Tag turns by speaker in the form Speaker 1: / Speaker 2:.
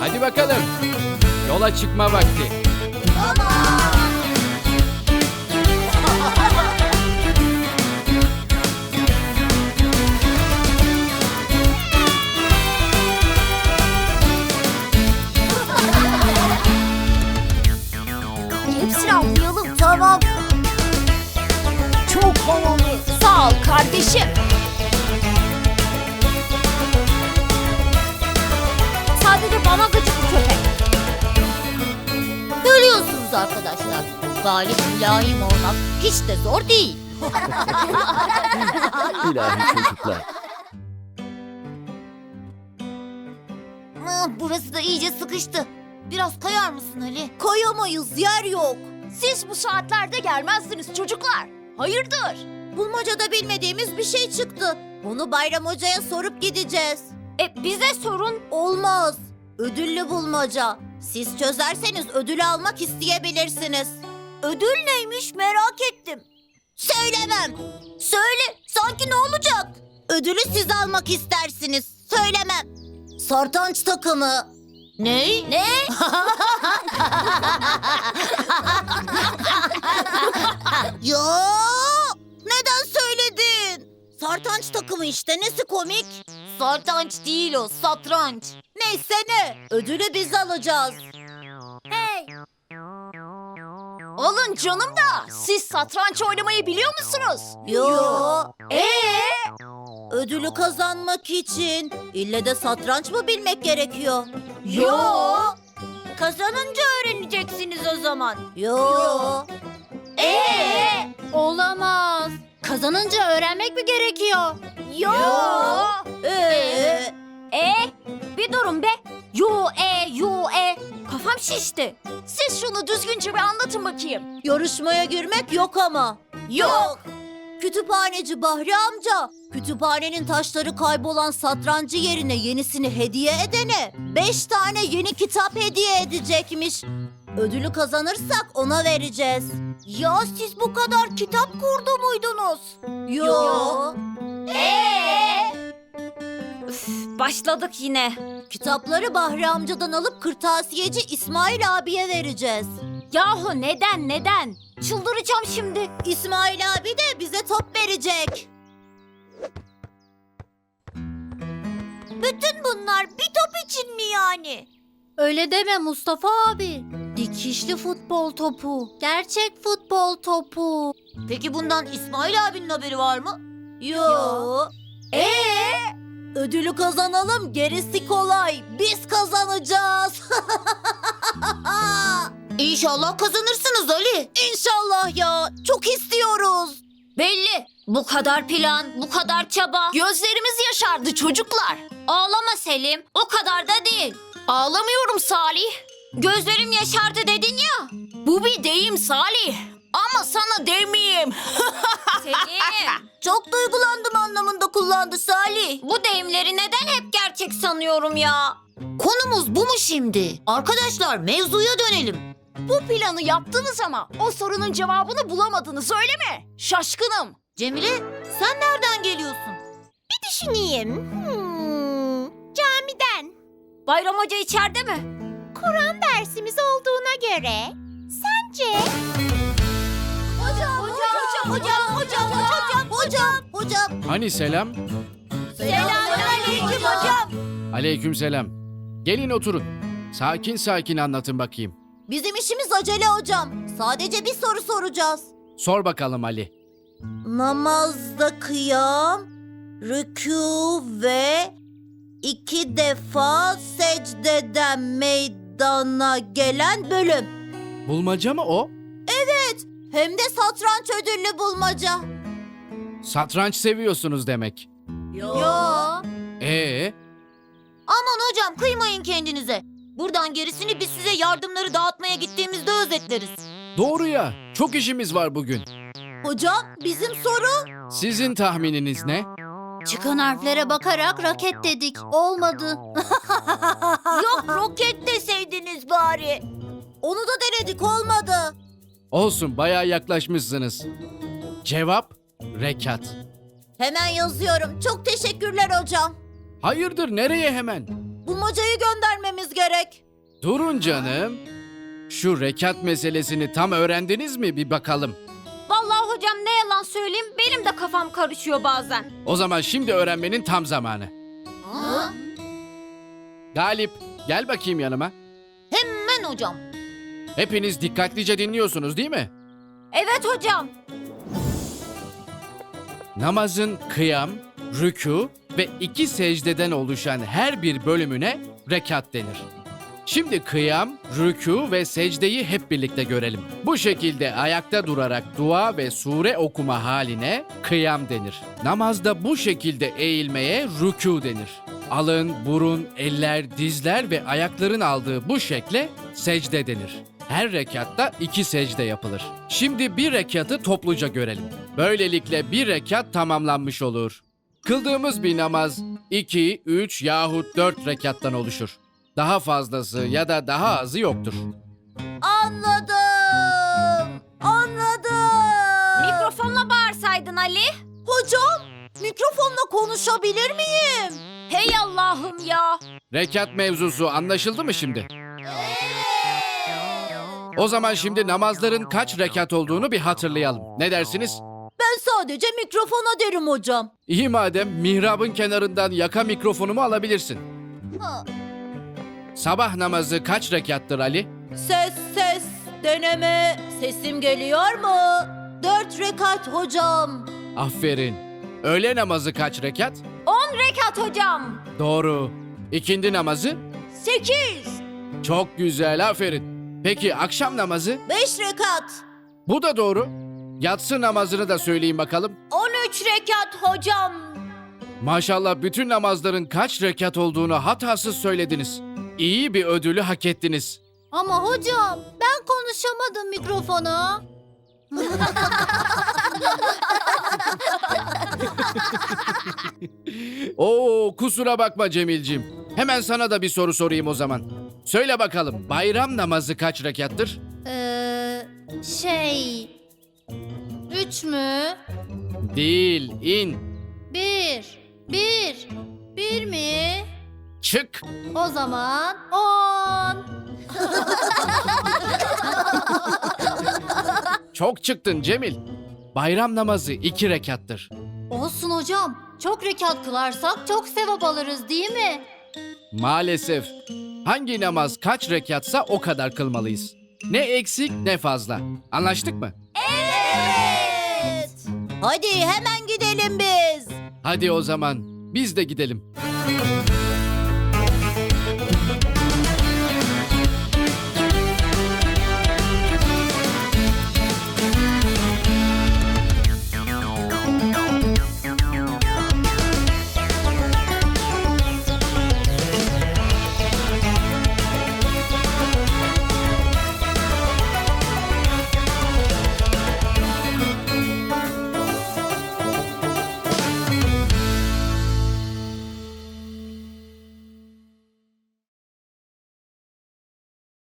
Speaker 1: Hadi bakalım. Yola çıkma vakti.
Speaker 2: Hepsini atlayalım. Tamam.
Speaker 3: Çok havalı.
Speaker 2: Sağ ol kardeşim. Sadece bana gıcık bu köpek. Görüyorsunuz arkadaşlar. Galip mülayim olmak hiç de zor değil.
Speaker 3: İlahi çocuklar.
Speaker 2: Burası da iyice sıkıştı. Biraz kayar mısın Ali? Kayamayız, yer yok. Siz bu saatlerde gelmezdiniz çocuklar. Hayırdır? Bulmacada bilmediğimiz bir şey çıktı. Bunu Bayram Hoca'ya sorup gideceğiz. Bize sorun. Olmaz. Ödüllü bulmaca. Siz çözerseniz ödül almak isteyebilirsiniz. Ödül neymiş merak ettim. Söylemem. Söyle. Sanki ne olacak? Ödülü siz almak istersiniz. Söylemem. Sartanç takımı. Ne? Ne? Ya! Neden söyledin? Sartanç takımı işte. Nesi komik? Sartanç değil o, satranç. Neyse ne? Ödülü biz alacağız. Hey! Alın canım da siz satranç oynamayı biliyor musunuz? Yo. Ödülü kazanmak için ille de satranç mı bilmek gerekiyor? Yo. Kazanınca öğreneceksiniz o zaman. Yo. Olamaz. Kazanınca öğrenmek mi gerekiyor? Yo. Bir durun be. Yo. Kafam şişti. Siz şunu düzgünce bir anlatın bakayım. Yarışmaya girmek yok ama. Yok. Kütüphaneci Bahri amca, kütüphanenin taşları kaybolan satrancı yerine yenisini hediye edene 5 tane yeni kitap hediye edecekmiş. Ödülü kazanırsak ona vereceğiz. Ya siz bu kadar kitap kurdu muydunuz? Yo. Başladık yine. Kitapları Bahri amcadan alıp kırtasiyeci İsmail abiye vereceğiz. Yahu neden? Çıldıracağım şimdi. İsmail abi de bize top verecek. Bütün bunlar bir top için mi yani? Öyle deme Mustafa abi. Dikişli futbol topu. Gerçek futbol topu. Peki bundan İsmail abinin haberi var mı? Yo. Ödülü kazanalım, gerisi kolay. Biz kazanacağız. İnşallah kazanırsınız Ali. İnşallah ya. Çok istiyoruz. Belli. Bu kadar plan, bu kadar çaba. Gözlerimiz yaşardı çocuklar. Ağlama Selim. O kadar da değil. Ağlamıyorum Salih. Gözlerim yaşardı dedin ya. Bu bir deyim Salih. Ama sana demeyeyim. Selim. Çok duygulandım anlamında kullandı Salih. Bu deyimleri neden hep gerçek sanıyorum ya? Konumuz bu mu şimdi? Arkadaşlar mevzuya dönelim. Bu planı yaptınız ama o sorunun cevabını bulamadınız öyle mi? Şaşkınım. Cemile sen nereden geliyorsun? Bir düşüneyim. Camiden. Bayram Hoca içeride mi? Kur'an dersimiz olduğuna göre sence? Hocam.
Speaker 1: Hani selam?
Speaker 2: Selamünaleyküm hocam.
Speaker 1: Aleykümselam. Gelin oturun. Sakin anlatın bakayım.
Speaker 2: Bizim işimiz acele hocam. Sadece bir soru soracağız.
Speaker 1: Sor bakalım Ali.
Speaker 2: Namazda kıyam, rükû ve 2 defa secdeden meydana gelen bölüm.
Speaker 1: Bulmaca mı o?
Speaker 2: Hem de satranç ödüllü bulmaca.
Speaker 1: Satranç seviyorsunuz demek.
Speaker 2: Yo. Aman hocam kıymayın kendinize. Buradan gerisini biz size yardımları dağıtmaya gittiğimizde özetleriz.
Speaker 1: Doğru ya. Çok işimiz var bugün.
Speaker 2: Hocam bizim soru?
Speaker 1: Sizin tahmininiz ne?
Speaker 2: Çıkan harflere bakarak raket dedik. Olmadı. Yok roket deseydiniz bari. Onu da denedik olmadı.
Speaker 1: Olsun, bayağı yaklaşmışsınız. Cevap rekat.
Speaker 2: Hemen yazıyorum. Çok teşekkürler hocam.
Speaker 1: Hayırdır, nereye hemen?
Speaker 2: Bulmacayı göndermemiz
Speaker 4: söylemeniz gerek.
Speaker 1: Durun canım. Şu rekat meselesini tam öğrendiniz mi bir bakalım.
Speaker 2: Vallahi hocam ne yalan söyleyeyim benim de kafam karışıyor bazen.
Speaker 1: O zaman şimdi öğrenmenin tam zamanı. Galip, gel bakayım yanıma.
Speaker 2: Hemen hocam.
Speaker 1: Hepiniz dikkatlice dinliyorsunuz değil mi?
Speaker 2: Evet hocam.
Speaker 1: Namazın kıyam, rükû ve 2 secdeden oluşan her bir bölümüne rekat denir. Şimdi kıyam, rükû ve secdeyi hep birlikte görelim. Bu şekilde ayakta durarak dua ve sure okuma haline kıyam denir. Namazda bu şekilde eğilmeye rükû denir. Alın, burun, eller, dizler ve ayakların aldığı bu şekle secde denir. Her rekatta 2 secde yapılır. Şimdi bir rekatı topluca görelim. Böylelikle bir rekat tamamlanmış olur. Kıldığımız bir namaz 2, 3 yahut 4 rekattan oluşur. Daha fazlası ya da daha azı yoktur.
Speaker 4: Anladım.
Speaker 2: Mikrofonla bağırsaydın Ali.
Speaker 4: Hocam, mikrofonla konuşabilir miyim?
Speaker 2: Hey Allah'ım ya.
Speaker 1: Rekat mevzusu anlaşıldı mı şimdi? O zaman şimdi namazların kaç rekat olduğunu bir hatırlayalım. Ne dersiniz?
Speaker 4: Ben sadece mikrofona derim hocam.
Speaker 1: İyi madem mihrabın kenarından yaka mikrofonumu alabilirsin. Sabah namazı kaç rekattır Ali?
Speaker 4: Ses, deneme. Sesim geliyor mu? 4 rekat hocam.
Speaker 1: Aferin. Öğle namazı kaç rekat?
Speaker 2: 10 rekat hocam.
Speaker 1: Doğru. İkindi namazı?
Speaker 4: 8,
Speaker 1: Çok güzel, aferin. Peki akşam namazı?
Speaker 4: 5 rekat.
Speaker 1: Bu da doğru. Yatsı namazını da söyleyin bakalım.
Speaker 4: 13 rekat hocam.
Speaker 1: Maşallah bütün namazların kaç rekat olduğunu hatasız söylediniz. İyi bir ödülü hak ettiniz.
Speaker 4: Ama hocam ben konuşamadım mikrofona.
Speaker 1: Oo, kusura bakma Cemilciğim. Hemen sana da bir soru sorayım o zaman. Söyle bakalım bayram namazı kaç rekattır?
Speaker 4: 3 mü?
Speaker 1: Değil, in.
Speaker 4: 1 mi?
Speaker 1: Çık.
Speaker 4: O zaman 10.
Speaker 1: Çok çıktın Cemil. Bayram namazı 2 rekattır.
Speaker 4: Olsun hocam. Çok rekat kılarsak çok sevap alırız değil mi?
Speaker 1: Maalesef. Hangi namaz kaç rekatsa o kadar kılmalıyız. Ne eksik ne fazla. Anlaştık mı?
Speaker 4: Evet. Hadi hemen gidelim biz.
Speaker 1: Hadi o zaman biz de gidelim.